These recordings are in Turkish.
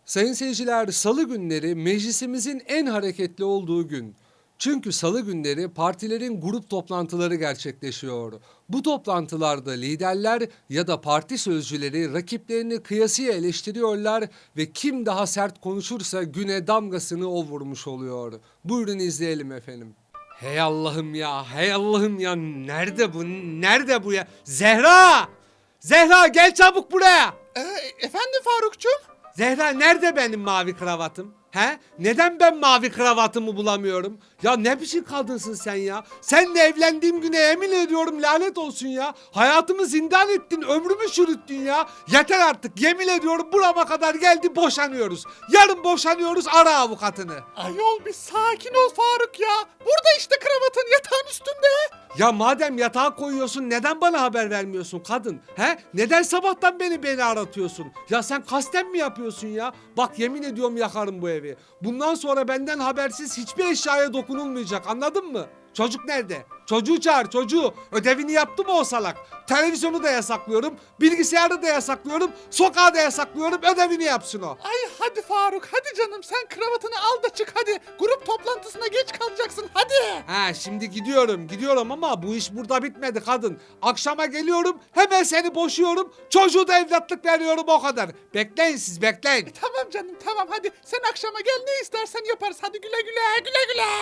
Sayın seyirciler, salı günleri meclisimizin en hareketli olduğu gün. Çünkü salı günleri partilerin grup toplantıları gerçekleşiyor. Bu toplantılarda liderler ya da parti sözcüleri rakiplerini kıyasıya eleştiriyorlar ve kim daha sert konuşursa güne damgasını o vurmuş oluyor. Buyurun izleyelim efendim. Hey Allah'ım ya, hey Allah'ım ya, nerede bu, nerede bu ya? Zehra! Zehra gel çabuk buraya! Efendim Farukcuğum? Zehra nerede benim mavi kravatım? He? Neden ben mavi kravatımı bulamıyorum? Ya ne biçim kadınsın sen ya? Seninle evlendiğim güne yemin ediyorum lanet olsun ya. Hayatımı zindan ettin, ömrümü çürüttün ya. Yeter artık, yemin ediyorum burama kadar geldi, boşanıyoruz. Yarın boşanıyoruz, ara avukatını. Ayol bir sakin ol Faruk ya. Burada işte kravatın yatağın üstünde. Ya madem yatağa koyuyorsun neden bana haber vermiyorsun kadın? He? Neden sabahtan beni aratıyorsun? Ya sen kasten mi yapıyorsun ya? Bak yemin ediyorum yakarım bu evi. Bundan sonra benden habersiz hiçbir eşyaya dokunulmayacak, anladın mı? Çocuk nerede? Çocuğu çağır, çocuğu. Ödevini yaptı mı o salak? Televizyonu da yasaklıyorum, bilgisayarı da yasaklıyorum, sokağı da yasaklıyorum, ödevini yapsın o. Ay hadi Faruk hadi canım sen kravatını al da çık hadi. Grup toplantısına geç kalacaksın hadi. Ha şimdi gidiyorum ama bu iş burada bitmedi kadın. Akşama geliyorum, hemen seni boşuyorum, çocuğu da evlatlık veriyorum, o kadar. Bekleyin siz, bekleyin. Tamam canım tamam hadi sen akşama gel ne istersen yaparız hadi güle güle güle güle.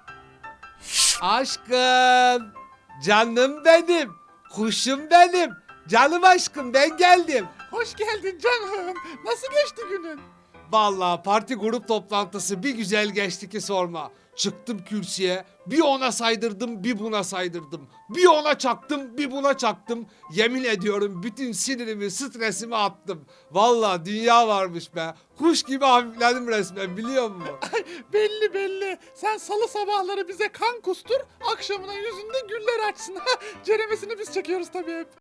Aşkım, canım benim, kuşum benim, canım aşkım ben geldim. Hoş geldin canım. Nasıl geçti günün? Vallahi parti grup toplantısı bir güzel geçti ki sorma. Çıktım kürsüye, bir ona saydırdım, bir buna saydırdım. Bir ona çaktım, bir buna çaktım. Yemin ediyorum bütün sinirimi, stresimi attım. Vallahi dünya varmış be. Kuş gibi hafifledim resmen, biliyor musun? Belli belli. Sen salı sabahları bize kan kustur, akşamına yüzünde güller açsın. Ceremesini biz çekiyoruz tabii hep.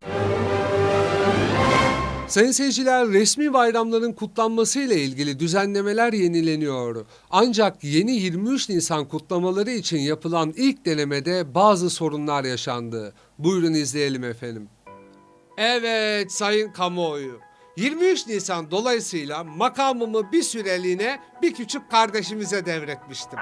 Sayın seyirciler, resmi bayramların kutlanması ile ilgili düzenlemeler yenileniyor. Ancak yeni 23 Nisan kutlamaları için yapılan ilk denemede bazı sorunlar yaşandı. Buyurun izleyelim efendim. Evet sayın kamuoyu. 23 Nisan dolayısıyla makamımı bir süreliğine bir küçük kardeşimize devretmiştim.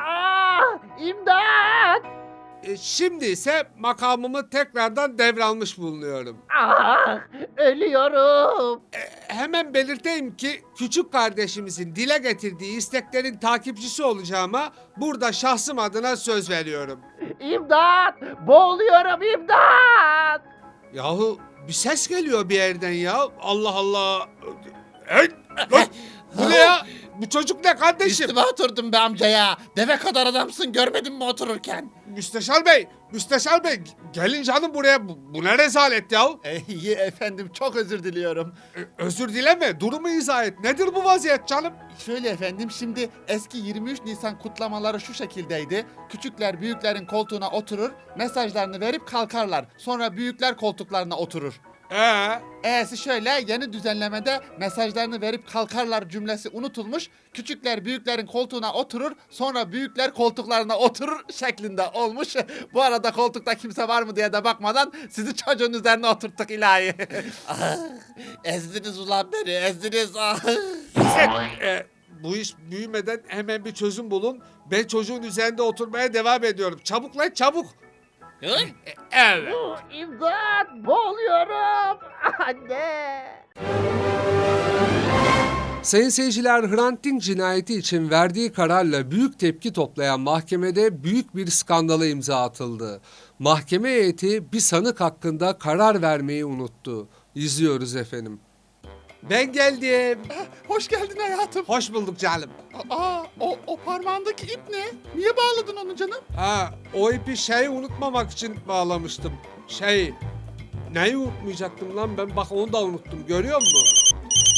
İmdat! Şimdi ise makamımı tekrardan devralmış bulunuyorum. Ölüyorum. Hemen belirteyim ki küçük kardeşimizin dile getirdiği isteklerin takipçisi olacağıma burada şahsım adına söz veriyorum. İmdat! Boğuluyorum imdat! Yahu bir ses geliyor bir yerden ya. Allah Allah. Hey, lan, bu ne ya? Bu çocuk ne kardeşim? Üstüme oturdum be amca ya. Deve kadar adamsın görmedin mi otururken? Müsteşar Bey gelin canım buraya. Bu ne rezalet ya? İyi efendim çok özür diliyorum. Özür dileme, durumu izah et. Nedir bu vaziyet canım? Şöyle efendim şimdi eski 23 Nisan kutlamaları şu şekildeydi. Küçükler büyüklerin koltuğuna oturur, mesajlarını verip kalkarlar. Sonra büyükler koltuklarına oturur. E'si şöyle yeni düzenlemede mesajlarını verip kalkarlar cümlesi unutulmuş. Küçükler büyüklerin koltuğuna oturur sonra büyükler koltuklarına oturur şeklinde olmuş. Bu arada koltukta kimse var mı diye de bakmadan sizi çocuğun üzerine oturttuk ilahi. Ezdiniz ulan beni ezdiniz. Bu iş büyümeden hemen bir çözüm bulun. Ben çocuğun üzerinde oturmaya devam ediyorum. Çabuk lan çabuk. Evet. İmdat boğuluyorum anne. Sayın seyirciler, Hrant Dink cinayeti için verdiği kararla büyük tepki toplayan mahkemede büyük bir skandala imza atıldı. Mahkeme heyeti bir sanık hakkında karar vermeyi unuttu. İzliyoruz efendim. Ben geldim. Hoş geldin hayatım. Hoş bulduk canım. O parmağındaki ip ne? Niye bağladın onu canım? O ipi unutmamak için bağlamıştım. Neyi unutmayacaktım lan ben? Bak onu da unuttum. Görüyor musun?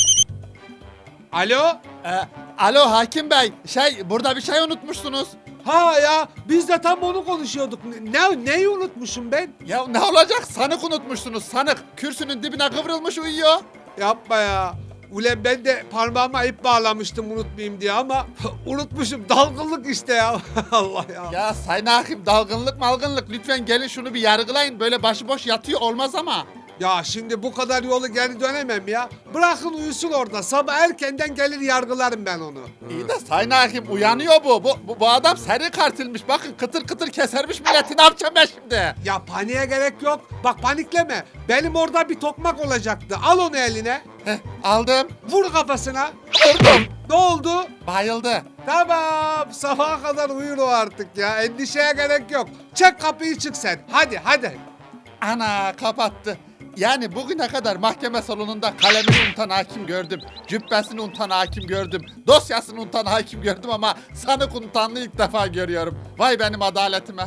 Alo? Alo hakim bey. Burada bir şey unutmuşsunuz. Ha ya biz de tam onu konuşuyorduk. Neyi unutmuşum ben? Ya ne olacak? Sanık unutmuşsunuz sanık. Kürsünün dibine kıvrılmış uyuyor. Yapma ya. Ulan ben de parmağıma ip bağlamıştım unutmayayım diye ama unutmuşum. Dalgınlık işte ya. Allah ya. Ya sayın hakim dalgınlık malgınlık lütfen gelin şunu bir yargılayın. Böyle başıboş yatıyor olmaz ama. Ya şimdi bu kadar yolu geri dönemem ya. Bırakın uyusun orada. Sabah erkenden gelir yargılarım ben onu. İyi de Sayın Hakim uyanıyor bu. Bu adam seri katilmiş. Bakın kıtır kıtır kesermiş milleti. Ne yapacağım ben şimdi? Ya paniğe gerek yok. Bak panikleme. Benim orada bir tokmak olacaktı. Al onu eline. Heh, aldım. Vur kafasına. Vurdum. Ne oldu? Bayıldı. Tamam. Sabaha kadar uyur o artık ya. Endişeye gerek yok. Çek kapıyı çık sen. Hadi hadi. Ana kapattı. Yani bugüne kadar mahkeme salonunda kalemini unutan hakim gördüm. Cübbesini unutan hakim gördüm. Dosyasını unutan hakim gördüm ama sanık unutanlığı ilk defa görüyorum. Vay benim adaletime.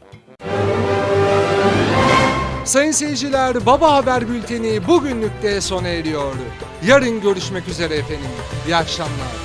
Sayın seyirciler, Baba Haber Bülteni bugünlük de sona eriyor. Yarın görüşmek üzere efendim. İyi akşamlar.